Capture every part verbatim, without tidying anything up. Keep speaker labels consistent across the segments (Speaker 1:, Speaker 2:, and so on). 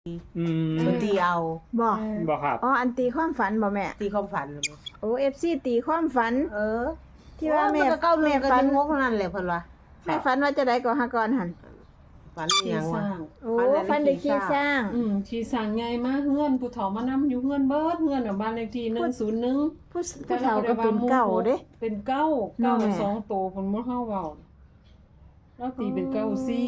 Speaker 1: อืม
Speaker 2: มันตีเอา
Speaker 3: บ่
Speaker 1: บ่ครับ
Speaker 3: อ๋ออันตีความฝันบ่แม่
Speaker 2: ตีความฝันเลย
Speaker 3: โอ้ เอฟ ซี ตีความฝัน
Speaker 2: เออ
Speaker 3: ที่ว่าแม่
Speaker 2: โอ้ยนก็เก้าหนึ่
Speaker 3: แม่
Speaker 2: งกับ
Speaker 3: ฝัน
Speaker 2: หนึ่งหกเท่านั้นแหละเพิ่นว่า
Speaker 3: แม่ฝันว่าจะได้ก่อหากรหั่น
Speaker 2: ฝันอหย่างว่า
Speaker 3: โอ้ฝันได้ขี่ช้าง
Speaker 4: อืมขี่สร้างใหญ่มาเฮือนผู้เฒ่ามานำอยู่เฮือนเบิดเฮือนน่ะบ้านเลขที่หนึ่งศูนย์หนึ่ง
Speaker 3: ผู้ผู้เฒ่าก็เป็นเก่าเด้
Speaker 4: เป็นเก้า
Speaker 3: เนาะ
Speaker 4: เก้า
Speaker 3: แม่
Speaker 4: สองโตเพิ่นบ่เฮาเว้าแล้วตีเป็นเก้าสี่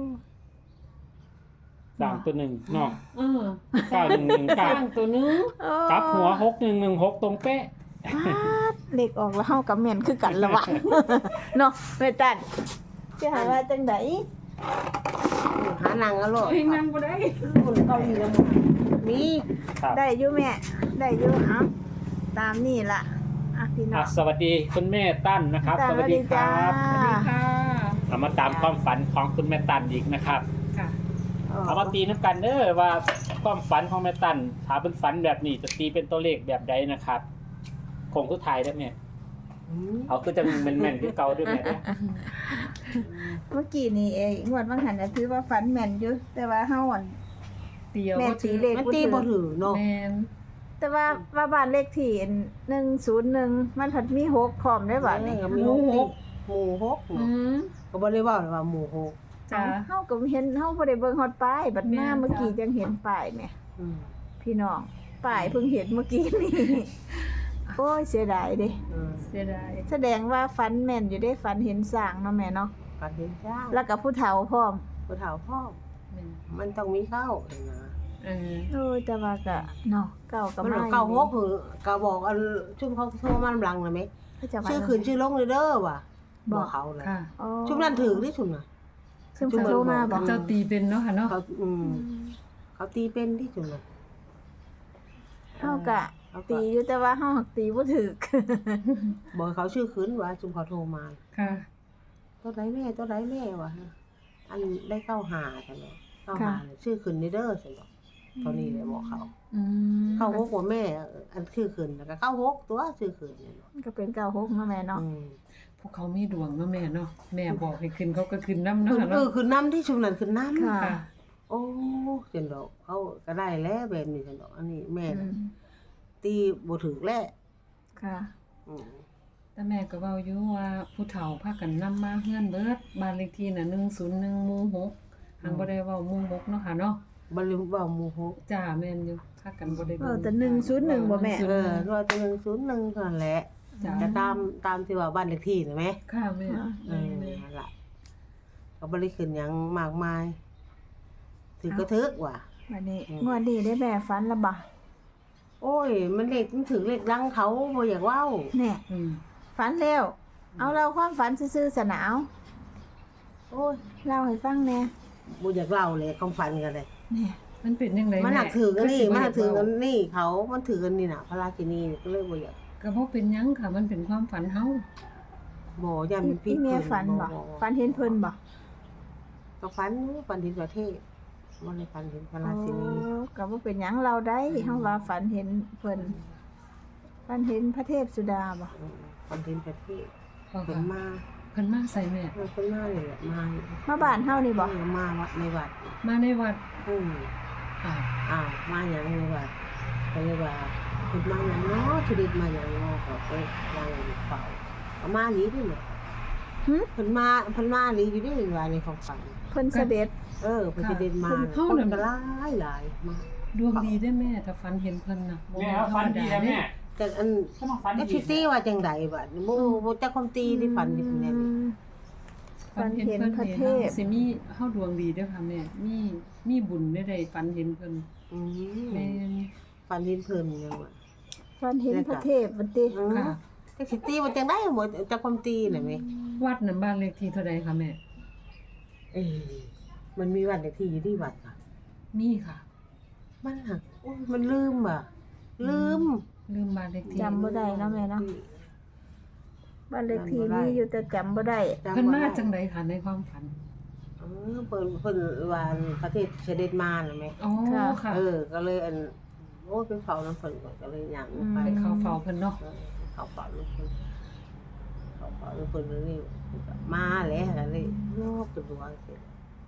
Speaker 1: สามตัวหนึ่งเนาะ
Speaker 4: เออ
Speaker 1: เก้าหนึ่งหนึ่ง
Speaker 4: ส
Speaker 1: เก้า
Speaker 4: ร้างตัวหนึง
Speaker 3: โอ้
Speaker 1: กลับหัวหกหนึ่งหนึ่งหกตรงเป๊ะ
Speaker 3: ฟาดเลขออกแล้วเฮากับแม่นคือกันละวะ เนาะแม่ตันจะหาว่าจังได๋
Speaker 2: หานางก็โลด
Speaker 4: เฮ้ยนั่งบ่ได้
Speaker 2: คนเกาหลีแล้วมึงมี
Speaker 1: ครับ
Speaker 3: ได้อยู่แม่ ได้อยู่เอ้าตามนี่ล่ะอ่ะพี่น้อ
Speaker 1: อ่ะ
Speaker 3: ง
Speaker 1: สวัสดีคุณแม่ตั้นนะครับ สวัสดีค
Speaker 3: จ้า
Speaker 1: รับ
Speaker 4: สวัสดีค่ะ
Speaker 1: เอามาตามความฝันของคุณแม่ตั้นอีกนะครับ
Speaker 4: ค่ะ
Speaker 1: เอามาตีน้ำกันเด้อว่าความฝันของแม่ตั้นถ้าเป็นฝันแบบนี้จะตีเป็นตัวเลขแบบใดนะครับคงทุกทายได้ไหม
Speaker 2: อืม
Speaker 1: เอาคือจะแม่นๆคือเก่าด้วยแม่เด้อ
Speaker 3: เมื่อกี้นี่เองงวดบางหันน่ะถือว่าฝันแม่นอยู่แต่ว่าเฮาอ่อน
Speaker 4: เตียว
Speaker 3: แม่
Speaker 4: บ่
Speaker 3: ตี
Speaker 4: ถือ
Speaker 3: เลข
Speaker 2: มันตีบ่ถือเนาะ
Speaker 4: แม่น
Speaker 3: แต่ว่าว่าบ้านเลขที่หนึ่งศูนย์หนึ่งมันผัดมีหกพร้อมได้บัดนี้
Speaker 2: เออมีหกหมู่หก
Speaker 4: อืม
Speaker 2: ก็บ่ได้ว่าว่าหมู่หก
Speaker 4: จ้า
Speaker 3: เฮาก็เห็นเฮาบ่ได้เบิ่งฮอดป้ายบัดมา
Speaker 4: แม่น
Speaker 3: เมื่อกี้
Speaker 4: จ้ะ
Speaker 3: จังเห็นป้ายแหม่
Speaker 2: อืม
Speaker 3: พี่น้องป้ายเพิ่งเห็นเมื่อกี้นี่ โอ้ยเสียดายเด้
Speaker 2: อืม
Speaker 4: เสียดาย
Speaker 3: แสดงว่าฝันแม่นอยู่ได้ฝันเห็นสร้างเนาะแม่เนาะ
Speaker 2: ฝันเห็นจ้าง
Speaker 3: แล้วก็ผู้เฒ่าพร้อม
Speaker 2: ผู้เฒ่าพ่อ
Speaker 4: แม่น
Speaker 2: มันต้องมีเข้าเลยนะ
Speaker 4: เออ
Speaker 3: โอ้ยแต่ว่าก็เนาะเก่าก็
Speaker 2: มัน
Speaker 3: มา
Speaker 2: เก้าหกคือก็บอกอันชุมเขาโทรมาลำลังเลยไหม
Speaker 3: เขาจะว่า
Speaker 2: ชื่อคืนชื่อลงเลยเด้อว่ะ
Speaker 3: บบ อ
Speaker 2: อก กเขาเลย
Speaker 4: ค่ะ
Speaker 3: อ๋อ
Speaker 2: ชุมนั้นถือที่ชุมน่ะ
Speaker 3: ซึ่งเขาโทรมาบอก
Speaker 4: เจ้าตีเป็นเนาะค่ะเนาะ
Speaker 2: เขาอืมเขาตีเป็นที่ชุมน่ะ
Speaker 3: เฮาก็
Speaker 2: เขาก็
Speaker 3: ตีอยู่แต่ว่าเฮาหักตีบ่ถูก
Speaker 2: บอกให้เขาชื่อคืนว่าชุมเขาโทรมา
Speaker 4: ค่ะ
Speaker 2: ตัวไหนแม่ตัวไหนแม่วะอันได้เข้าหาใช่ไหมเข้าหาเนี่ยชื่อคืนนี่เด้อใช่ไหมเท่านี้เลยบอกเขา
Speaker 4: อืม
Speaker 2: เข้าหกว่าแม่ อันชื่อคืนแล้วก็เข้าหกตัวชื่อคืนเนี่ยเนาะ
Speaker 3: ก็เป็นเก่าหกเนาะแม่เนาะ
Speaker 2: อืม
Speaker 4: พวกเขามีดวงเนาะแม่เนาะแม่บอกให้ขึ้นเขาก็ขึ้นน้ำ
Speaker 2: คื
Speaker 4: เนาะ
Speaker 2: อ
Speaker 4: ค่ะ
Speaker 2: เอ
Speaker 4: เนาะ
Speaker 2: อคือน้ำที่ชุมนั้นคือน้ำ
Speaker 3: ค่ะ
Speaker 4: ค่ะ
Speaker 2: โอ้เจนดอกเขาก็ได้แล้วแบบนี้เจนดอกอันนี้แม่
Speaker 3: อื
Speaker 2: น่ะ
Speaker 3: ม
Speaker 2: ตีบ่ถึกแล้ว
Speaker 3: ค่ะ
Speaker 2: อืม
Speaker 4: แต่แม่ก็เว้าอยู่ว่าผู้เฒ่าพากันนำมาเฮือนเบิดบ้านเลขที่น่ะหนึ่งศูนย์หนึ่งหมู่หกหังบ่ได้เว้าหมู่หกเนาะค่ะเนาะ
Speaker 2: บ่ลืมว่าหมู่หก
Speaker 4: จ้าแม่นอยู่พากันบ่ได้
Speaker 3: เออแต่หนึ่งศูนย์หนึ่งบ่แม่
Speaker 2: เออร้อยตัวหนึ่งศูนย์หนึ่งเท่านั้นแหละ
Speaker 4: จ้า
Speaker 2: จะตามตามที่ว่าบ้านเลขที่น่ะแม่
Speaker 4: ค่ะแม่
Speaker 2: เออนั่นล่ะก็บ่ได้ขึ้นหยังมากมายถือก็ถึกว่ะ
Speaker 3: วันนี้
Speaker 2: อืม
Speaker 3: งวดนี้ได้แม่ฝันและบ่
Speaker 2: โอ้ย มันเลขมันถึงเลขดังเขาบ่อยากเว้า
Speaker 3: แน่
Speaker 4: อืม
Speaker 3: ฝันแล้ว เอาเราความฝันซื่อๆสนาว
Speaker 2: โอ้ย
Speaker 3: เล่าให้ฟังแหน่
Speaker 2: บ่อยากเล่าเลยความฝันกันเลย
Speaker 3: แน่
Speaker 4: มันเป็นจังได๋
Speaker 2: มันหนักถือกันนี่
Speaker 4: คือสิบ่
Speaker 2: มันหนักถือกัน
Speaker 4: เว้า
Speaker 2: นี่เขามันถือกันนี่น่ะ พระราชินีก็เลยบ่อยาก
Speaker 4: ก็บ่เป็นหยังค่ะ มันเป็นความฝันเฮา
Speaker 2: บ่ยันมันผิ
Speaker 3: พี่
Speaker 2: ด
Speaker 3: แม่
Speaker 2: เพิ่
Speaker 3: ฝันบ่ฝันเห็นเพิ่นบ่
Speaker 2: ก็ฝันฝันเห็นประเทศบ่ได้ฝันเห็นพระราชินี
Speaker 3: โอ้ก็บ่เป็นหยังเราได้เฮาว่าฝันเห็นเพิ่นฝันเห็นพระเทพสุดาบ่
Speaker 2: อืมฝันเห็นประเทศ
Speaker 4: เพราะ
Speaker 2: เพิ่
Speaker 4: ว่าน
Speaker 2: มา
Speaker 4: เพิ่นมาใส่แม่
Speaker 2: เออเพิ่นมานี่แหละมา
Speaker 3: มาบ้านเฮานี่บ่
Speaker 2: เออมาวัดในวัด
Speaker 4: มาในวัด
Speaker 2: อืม
Speaker 4: อ่า
Speaker 2: อ้าวมาหยังในวัดก็เลยว่าเพิ่นมาหยังเนาะชีวิตมาหยังเนาะก็ไปวางอยู่เฝ้าก็มาหลีนี่แหละ
Speaker 3: หึ
Speaker 2: เพิ่นมาเพิ่นมาหลีอยู่ได้ว่าในความฝัน
Speaker 3: เพิ่นเสด็จ
Speaker 2: เออเพิ่นสิเดินมา
Speaker 4: เฮา
Speaker 2: คน
Speaker 4: น่ะ
Speaker 2: ก็หลายหลายมา
Speaker 4: ดวงดีได้แม่ถ้าฝันเห็นเพิ่นน่ะบ่
Speaker 1: แม่
Speaker 4: แม่น
Speaker 1: ว่า
Speaker 4: ธร
Speaker 1: ฝั
Speaker 4: ร
Speaker 1: น
Speaker 4: ม
Speaker 1: ดี
Speaker 4: ดา
Speaker 1: แล้ว
Speaker 4: เด้
Speaker 1: แม่
Speaker 2: แต่อัน
Speaker 1: ก็มาฝัน
Speaker 2: เอฟ
Speaker 1: ดี
Speaker 2: ซีว่าจังใดบัดบ่บ่จักความตีที่ฝันที่เป็นแน่นี่
Speaker 3: ฝันเห็นพระเทพ
Speaker 4: สิมีเฮาดวงดีเด้อค่ะแม่ มีมีบุญได้ได้ฝันเห็นเพิ่น
Speaker 2: อืม
Speaker 4: แม่น
Speaker 2: ฝันเห็นเพิ่นยังว่า
Speaker 3: ฝันเห็นพระเทพบัดติ
Speaker 2: อืม
Speaker 4: ค่ะ
Speaker 2: แต่สิตีว่าจังได๋บ่จักความตีน่ะแม่
Speaker 4: วัดนั้นบ้านเลขที่เท่าใดคะแม่
Speaker 2: เอ้มันมีวัดเลขที่อยู่ที่วัดค่ะ
Speaker 4: มีค่ะ
Speaker 2: มันหักโอ้ยมันลืมอ่ะ ลืม
Speaker 4: ลืมบ้านเลขที่
Speaker 3: จำบ่ได้เนาะแม่เนาะบ้านเลขที่มีอยู่แต่จำบ่ได้
Speaker 2: จำบ่ได้
Speaker 4: เพิ่นมาจังไดคะในความฝัน
Speaker 2: เออเพิ่นเพิ่นว่าประเทศเสด็จมาน่ะแม่
Speaker 4: อ๋อค่ะ
Speaker 2: เออ ก็เลยอันโอ้ยไปเฝ้านำเพิ่นก่อนก็เลยย่างไป
Speaker 4: ไปเข้าเฝ้าเพิ่นเนาะ
Speaker 2: เออเขาเป่าลูกคนเขาเป่าลูกคนนี่มาแล้วก็เลยโยกตัวเสร็จ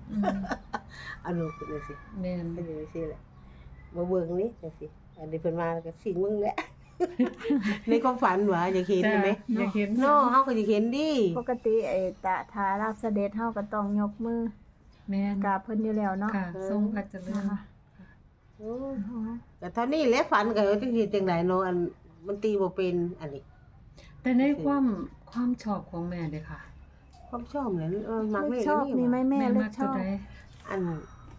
Speaker 4: อืม
Speaker 2: เอาลูกขึ้นเลยสิ
Speaker 4: แม่น
Speaker 2: เป็นจังซี่แหละบ่เบิ่งนี่จังซี่อันนี้เพิ่นมาแล้วก็สิงมึงแหละ ในความฝันว่าอยากเห็น
Speaker 4: จ้ะ
Speaker 2: ใช่ไหม
Speaker 4: อยากเห็น
Speaker 2: เนาะเฮาก็อยากเห็นดิ
Speaker 3: ปกติไอ้ตะทารับเสด็จเฮาก็ต้องยกมือ
Speaker 4: แม่น
Speaker 3: กราบเพิ่นอยู่แล้วเนาะ
Speaker 4: ค่ะทรงพระเจริญ
Speaker 3: นะคะ
Speaker 2: โอ้แต่เท่านี้แหละฝันก็จังซี่จังไดเนาะอันมันตีบ่เป็นอันนี้
Speaker 4: แต่ในความความชอบของแม่เด้อค่ะ
Speaker 2: ความชอบเนี่ยเออมัก
Speaker 3: เล
Speaker 2: เล
Speaker 3: ข
Speaker 2: ข
Speaker 3: ชอบมีไหมแม่เล
Speaker 4: มั
Speaker 3: ข
Speaker 4: ก
Speaker 3: ช
Speaker 4: ตัว
Speaker 3: อบ
Speaker 4: ใด
Speaker 2: อัน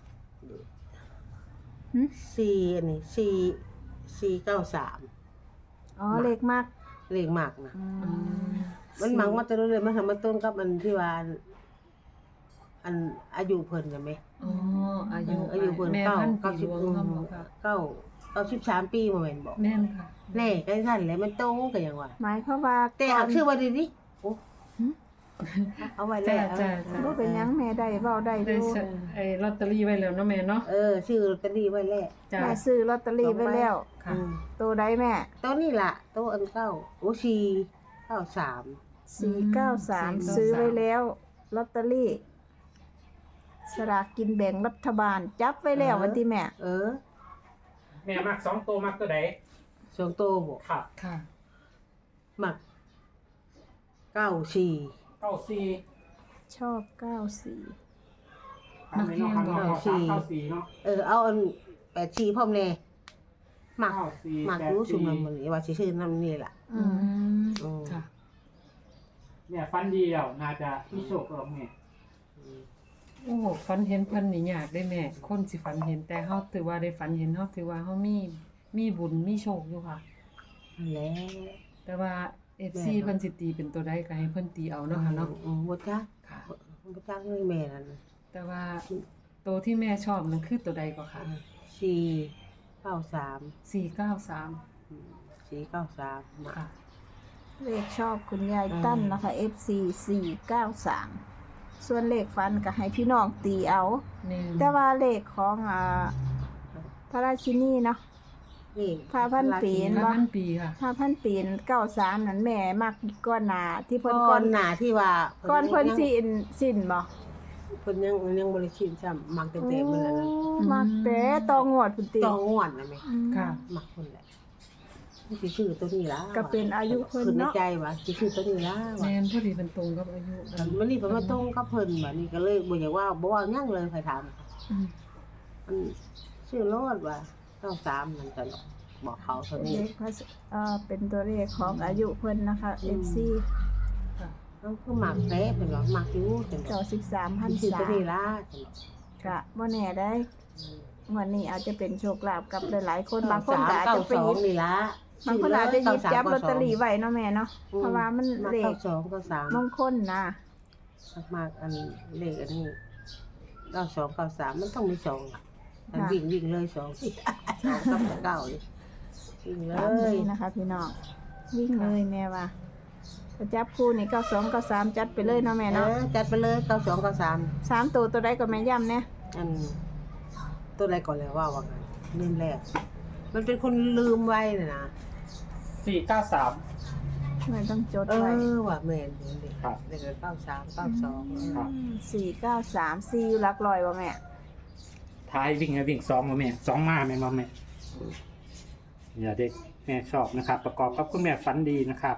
Speaker 3: หึ
Speaker 2: สี่อันนี้สี่สี่เก้าสาม
Speaker 3: อ๋อเลขมาก
Speaker 2: เลขมากนะ
Speaker 3: อื
Speaker 4: อื
Speaker 3: ม
Speaker 4: ม
Speaker 2: มันมักมาแต่เรื่อยๆมันทำมาต้นกับอันที่ว่าอันอันอายุเพิ่นน่ะแม่
Speaker 4: อ๋ออายุ
Speaker 2: อายุเพิ่น
Speaker 4: แม่
Speaker 2: เก้า
Speaker 4: พัน
Speaker 2: เก้า
Speaker 4: ปี
Speaker 2: สิ
Speaker 4: ห
Speaker 2: บ
Speaker 4: ลวงเฮาบ่ค่ะ
Speaker 2: เก้าเก้าสิบสามปีบ่แม่นบ่
Speaker 4: แม่นค่ะ
Speaker 2: แน่ใกล้ซั่นแหละมันตรงกันอย่างว่า
Speaker 3: หมายความว่า
Speaker 2: แต่
Speaker 3: ก่อ
Speaker 2: เอา
Speaker 3: น
Speaker 2: ชื่อว่าดีดิโอ้
Speaker 3: หึ
Speaker 2: เอาไว้แล้ว
Speaker 4: จ้ะจ้ะ
Speaker 3: บ่เป็นหยังแม่ได้เว้าได้อ
Speaker 4: ได้
Speaker 3: ยู่
Speaker 4: ใช้ไอ้ลอตเตอรี่ไว้แล้วเนาะแม่เนาะ
Speaker 2: เออชื่อลอตเตอรี่ไว้แล้ว
Speaker 4: จ้ะ
Speaker 3: แม่ซื้อลอตเตอรี่ไว้แล้ว
Speaker 4: ค่ะ
Speaker 2: อืม
Speaker 3: ตัวใดแม่
Speaker 2: ตัวนี้ล่ะตัวอันเก้าโอ้สี่เก้าสาม
Speaker 3: สี่เก้าสามซื้อไว้แล้วลอตเตอรี่สลากกินแบ่งรัฐบาลจับไว้แล้ววันที่แม่
Speaker 2: เออ
Speaker 1: แม่มักสองตัวมักตัวใด
Speaker 2: สองโตบ่
Speaker 1: ครับ
Speaker 4: ค่ะ
Speaker 2: มักเก้าสี่
Speaker 1: เก้าสี่
Speaker 3: ชอบเก้าสี่
Speaker 1: มักแห้งบ่เก้าสี่เก้าสี่เนาะ
Speaker 2: เออเอาอันแปดสี่พร้อมแน่มัก
Speaker 1: เก้าสี่
Speaker 2: มัก
Speaker 1: แปด
Speaker 2: รู้
Speaker 1: สี่
Speaker 2: ชุมนำมันนี่ว่าสิชื่อนำนี่ล่ะ
Speaker 3: อื
Speaker 4: อื
Speaker 3: ม
Speaker 4: ม
Speaker 2: อืม
Speaker 4: ค่ะ
Speaker 1: แม่ฟันดีแล้วน่าจะมีโชคกับแม่
Speaker 4: โอ้ฝันเห็นเพิ่นนี่ยากได้แม่ คนสิฝันเห็นแต่เฮาถือว่าได้ฝันเห็นเฮาถือว่าเฮามีมีบุญมีโชคอยู่ค่ะ
Speaker 2: นั่นแหละ
Speaker 4: แต่ว่า เอฟ ซี เพิ่นสิตีเป็นตัวใดก็ให้เพิ่นตีเอาเนาะค่ะเนาะ
Speaker 2: อืมบ่จัก
Speaker 4: ค่ะ
Speaker 2: บ่จักเลยแม่นั่นน่ะ
Speaker 4: แต่ว่าตัวที่แม่ชอบนั่นคือตัวใดก็ค่ะ
Speaker 2: สี่เก้าสาม
Speaker 4: สี่เก้าสาม
Speaker 2: อืมสี่เก้าสามมัก
Speaker 4: ค่ะ
Speaker 3: เลขชอบคุณยาย
Speaker 2: อืม
Speaker 3: ตั้นนะคะ เอฟ ซี สี่เก้าสามส่วนเลขฟันก็ให้พี่น้องตีเอา
Speaker 4: แม่น
Speaker 3: แต่ว่าเลขของอ่าพระราชินีเนาะ
Speaker 2: นี่
Speaker 3: พาพันปี
Speaker 4: พระพันปีค่ะ
Speaker 3: ห้าพันปีเก้าสามนั่นแม่มักก้อนหนาที่เพิ่น
Speaker 2: ก้
Speaker 3: ก้
Speaker 2: อ
Speaker 3: อน น
Speaker 2: หน้าที่ว่า
Speaker 3: ก้อนเพิ่นสินสิ้นบ่
Speaker 2: เพิ่นยังยังบ่ได้ชิมซ้ำมักเต็มๆมันนั่นน่ะ
Speaker 3: มักแต่ตองวดพุ่นติ
Speaker 2: ต้องง่วนนะแม่
Speaker 3: อืม
Speaker 4: ค่ะ
Speaker 2: มักคนแหละนี่สิชื่อตัวนี้ล่ะ
Speaker 3: ก็เป็นอายุเพิ่น
Speaker 2: คือใน
Speaker 3: เนาะ
Speaker 2: ใจว่าสิชื่อตัวนี้ล่ะว่า
Speaker 4: แม่นพอดีเป็นตรงกับอายุ
Speaker 2: มันนี่เพิ่นมาตรงกับเพิ่นบัดนี้ก็เลยบ่อยากว่าบ่เว้าหยังเลยใครถาม
Speaker 4: อืม
Speaker 2: มันชื่อโลดว่าเก้าสามมันตลอดบอกเขาเท่านี้
Speaker 3: เลขพระเอ่อเป็นตัวเลขของอายุเพิ่นนะคะ
Speaker 2: อื
Speaker 3: เอ
Speaker 2: ม
Speaker 3: ฟ ซี
Speaker 4: ค่ะ
Speaker 2: มันคือหมักแท้เป็นว่าหมักอยู่จัง
Speaker 3: เก้าสิบสามพัน
Speaker 2: ชื่อ
Speaker 3: ษา
Speaker 2: ตัวนี้ล่ะจัง
Speaker 3: กะบ่แน่ได้
Speaker 2: อืม
Speaker 3: งวันนี้อาจจะเป็นโชคลาภกับหลายๆคนบา
Speaker 2: เก้าง
Speaker 3: คน
Speaker 2: สาม
Speaker 3: ก็อาจ
Speaker 2: เก้า
Speaker 3: จะไป
Speaker 2: สอ
Speaker 3: หยิ
Speaker 2: ง
Speaker 3: บ
Speaker 2: นี่ล่ะ
Speaker 3: บางคนอาจจะหยิบจับลอตเตอรี่
Speaker 2: ไว้
Speaker 3: ไว้เนาะแม่เนาะเพราะว่ามันเล
Speaker 2: เก้า
Speaker 3: ข
Speaker 2: สองเก้าสาม
Speaker 3: มงคลนะ
Speaker 2: มากๆอันเลขอันนี้เก้าสองเก้าสามมันต้องมีสองอ่ะมันวิ่งวิ่งเลยสอง สองกับเก้าเลยวิ่งเล
Speaker 3: ตาม
Speaker 2: ย
Speaker 3: นี้นะคะ พี่น้องวิ่งเลยแม่ว่าถ้าจับคู่นี่เก้าสองเก้าสามจัดไปเลยเนาะแม่
Speaker 2: เอ
Speaker 3: เนาะ
Speaker 2: อจัดไปเลยเก้าสองเก้าสาม
Speaker 3: สามตัวตัวใดก็แม่ย่ำเนี่ย
Speaker 2: อันตัวอะไรก่อนแล้วว่าว่ากันลืมแล้วมันเป็นคนลืมไว้น่ะนะ
Speaker 1: สี่เก้าสาม
Speaker 3: แม่ต้องจด
Speaker 2: เอ
Speaker 3: ไว้
Speaker 2: อว่าแม่นเห็นดิ
Speaker 1: ครับ
Speaker 2: เลขเก้าสามเก้าสอง
Speaker 1: ครับ
Speaker 3: สี่เก้าสามสี่อยู่หลักร้อยบ่แม่
Speaker 1: ท้ายวิ่งให้วิ่งสองมาแม่สองมาแม่มาแม่อย่าเด็กแม่ชอบนะครับ ประกอบกับคุณแม่ฝันดีนะครับ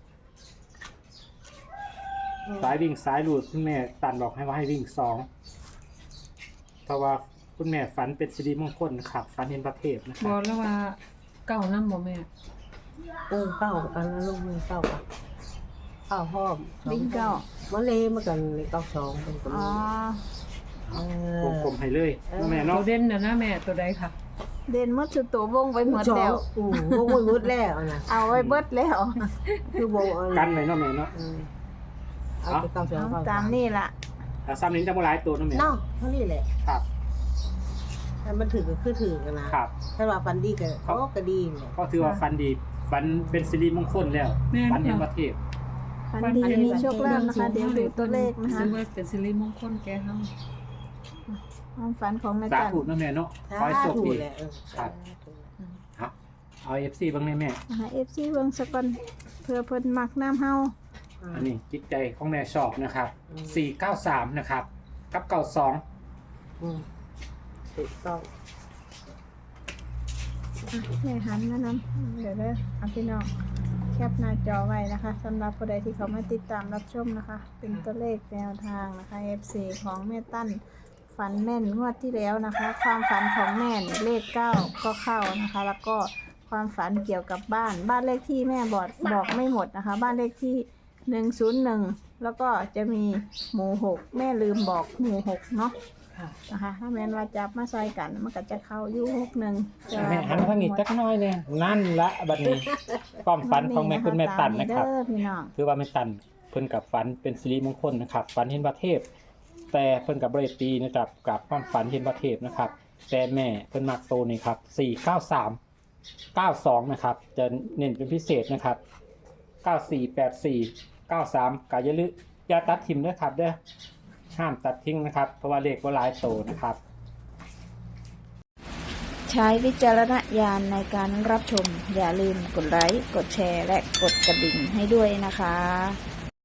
Speaker 1: สายวิ่งสายหลุดคุณแม่ตันบอกให้ว่าให้วิ่งสองเพราะว่าคุณแม่ฝันเป็นสิริมงคลนะครับฝันเห็นประเทศนะค
Speaker 4: บ
Speaker 1: รั
Speaker 4: อบ กแล้วว่าเก้านำบ่แม่
Speaker 2: เออเก้าอันนั้นลงมือเก้าอ่ะเก้าห้อม
Speaker 3: วิ่งเก้า
Speaker 2: มันเลยมากันเลยเก้าสองเป็นคน
Speaker 3: อ๋อ
Speaker 2: เอ
Speaker 1: วงกลมให้เลยนะแม่
Speaker 4: ตั
Speaker 1: เนาะ
Speaker 4: วเด่นน่ะนะแม่ตัวใดค่ะ
Speaker 3: เด่นหมดสุดตัววงไว้หมด
Speaker 2: สอง
Speaker 3: แล้ว
Speaker 2: อืมวงไว้หมดแล้วนะ
Speaker 3: เอาไว้เบิดแล้ว
Speaker 2: คือวงเอา
Speaker 1: กันไว้เนาะแม่เนาะ
Speaker 2: อืมเอาไปเก้าสอง
Speaker 3: เอา
Speaker 2: เก้า
Speaker 3: ตา
Speaker 2: สาม ม
Speaker 3: นี่ล่ะ
Speaker 1: ถ้าซ้ำนี้จะมาหลายตัวเนาะแม่
Speaker 2: เนาะเท่านี้แหละ
Speaker 1: ครับ
Speaker 2: แต่มันถือก็คือถือกันนะครับ ถ้าว่าฟันดีก็เขาก็ดีเนี่ย
Speaker 1: ก็ถือว่าฝันดีฝันเป็นสิริมงคลแล้ว
Speaker 4: แม่น
Speaker 1: ฝันเห็น
Speaker 4: ค่ะ
Speaker 1: ประเทศ
Speaker 3: ฟันดีมีโชคลาภนะคะ เดี๋ยวดูตัวเลขนะคะ
Speaker 4: ซึ่งว่าเป็นสิริมงคลแก่เฮา
Speaker 3: ความฝันของแม่
Speaker 1: สา
Speaker 3: จัน
Speaker 1: ธุเนาะแม่เนาะขอให้โชค
Speaker 2: ถู
Speaker 1: ดี
Speaker 2: กแหละเออ
Speaker 1: ครับ
Speaker 4: อืม
Speaker 1: ครับเอาเอฟซีบ้างแม่แม่
Speaker 3: นะคะ เอฟ ซี เบิ่งสักก่อนเพื่อเพิ่นมักน้ำเฮา
Speaker 1: อันนี้จิตใจของแม่ชอบนะครับสี่เก้าสามนะครับ กับเก้าสอง
Speaker 2: อืมถูกต้อง
Speaker 3: อ่ะแม่หันมานำเดี๋ยวเด้อเอาพี่น้องแคปหน้าจอไว้นะคะสำหรับผู้ใดที่เขามาติดตามรับชมนะคะ เป็นตัวเลขแนวทางนะคะ เอฟ ซี ของแม่ตั้นฝันแม่นงวดที่แล้วนะคะ ความฝันของแม่นี่เลขเก้าก็เข้านะคะ แล้วก็ความฝันเกี่ยวกับบ้านบ้านเลขที่แม่บอกบอกไม่หมดนะคะ บ้านเลขที่หนึ่งศูนย์หนึ่งแล้วก็จะมีหมู่หกแม่ลืมบอกหมู่หกเนาะ
Speaker 4: ค่ะ
Speaker 3: นะคะถ้าแม่นว่าจับมาใส่กันมันก็จะเข้าอยู่หกหนึ่ง
Speaker 1: แม่หันมาทางนี้จักหน้อยเนี่ยนั่นละบัดนี้ความฝันของแม่คุณแม่ตันนะครับ
Speaker 3: เด้อพี่น้อง
Speaker 1: คือว่าแม่ตันเพิ่นกับฝันเป็นสิริมงคลนะครับฝันเห็นพระเทพ แต่เพิ่นกับบ่ได้ตีนะครับกับความฝันเห็นพระเทพนะครับ แต่แม่เพิ่นมักโตนี่ครับสี่เก้าสาม เก้าสองนะครับจะเน้นเป็นพิเศษนะครับเก้าสี่ แปดสี่ เก้าสามก็อย่าลืมอย่าตัดทิมด้วยครับเด้อห้ามตัดทิ้งนะครับเพราะว่าเลขบ่หลายโตนะครับ
Speaker 3: ใช้วิจารณญาณในการรับชม อย่าลืมกดไลค์ กดแชร์ และกดกระดิ่งให้ด้วยนะคะ